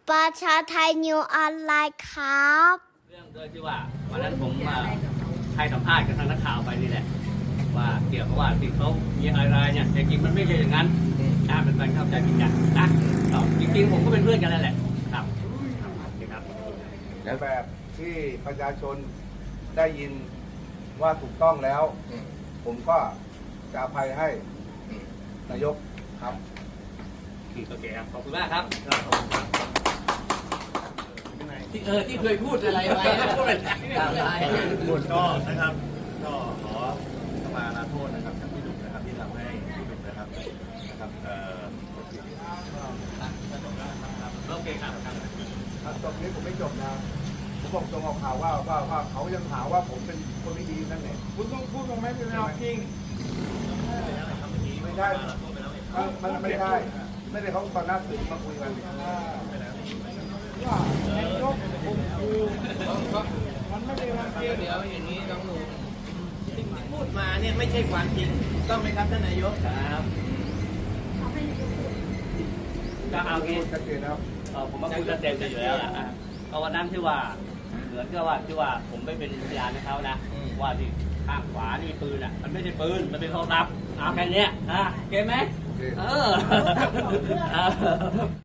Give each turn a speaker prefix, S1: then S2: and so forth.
S1: ประชาไทยนิวออนไลน์ครับ
S2: เรื่องโดยที่ว่าวันนั้นผมให้สัมภาษณ์กับทางนักข่าวไปนี่แหละว่าเกี่ยวกับว่าที่เขามีอะไรเนี่ยแต่จริงมันไม่ใช่อย่างนั้นเป็นการเข้าใจผิดกันนะจริงๆผมก็เป็นเพื่อนกันนั่นแหละครับครับ
S3: ในแบบที่ประชาชนได้ยินว่าถูกต้องแล้ว ผมก็จะอภัยให้นายกครับ
S2: โอเคครับขอบคุณมากครับที่เคยพูดอะไรไว้พูดอะไร
S4: ก็นะครับก็ขอขมาลาโทษนะครับจากพี่ดุนะครับที่ทำให้พี่ดุนะครับ
S2: โอเคครับ
S3: จบนี้ผมไม่จบนะผมบอกตรงออกข่าวว่าเขายังหาว่าผมเป็นคนไม่ดีนั่นเองคุณต้องพูดตรงไหมเป็นจริงไม่ได้มันไม่ได้ไม่ได้เขาตอนหน้าสื่อมาคุยกันว่านายกผมคือมันไม่ได้รังเกียจ
S2: เดี๋ยวอย่างนี้ต้องดูสิ่งที่พูดมาเนี่ยไม่ใช่ความจริงต้องไหมครับท่านนายกครับก็เอางี้
S3: ชัดเจนนะครับ
S2: ผมว่าพูดชัดเจนกันอยู่แล้วล่ะเพราะวันนั้นที่ว่าเหมือนกับว่าที่ว่าผมไม่เป็นพยานให้เขานะว่าที่ข้างขวานี่ปืนอ่ะมันไม่ใช่ปืนมันเป็นโทรศัพท์เอาแค่นี้เก็ตไหม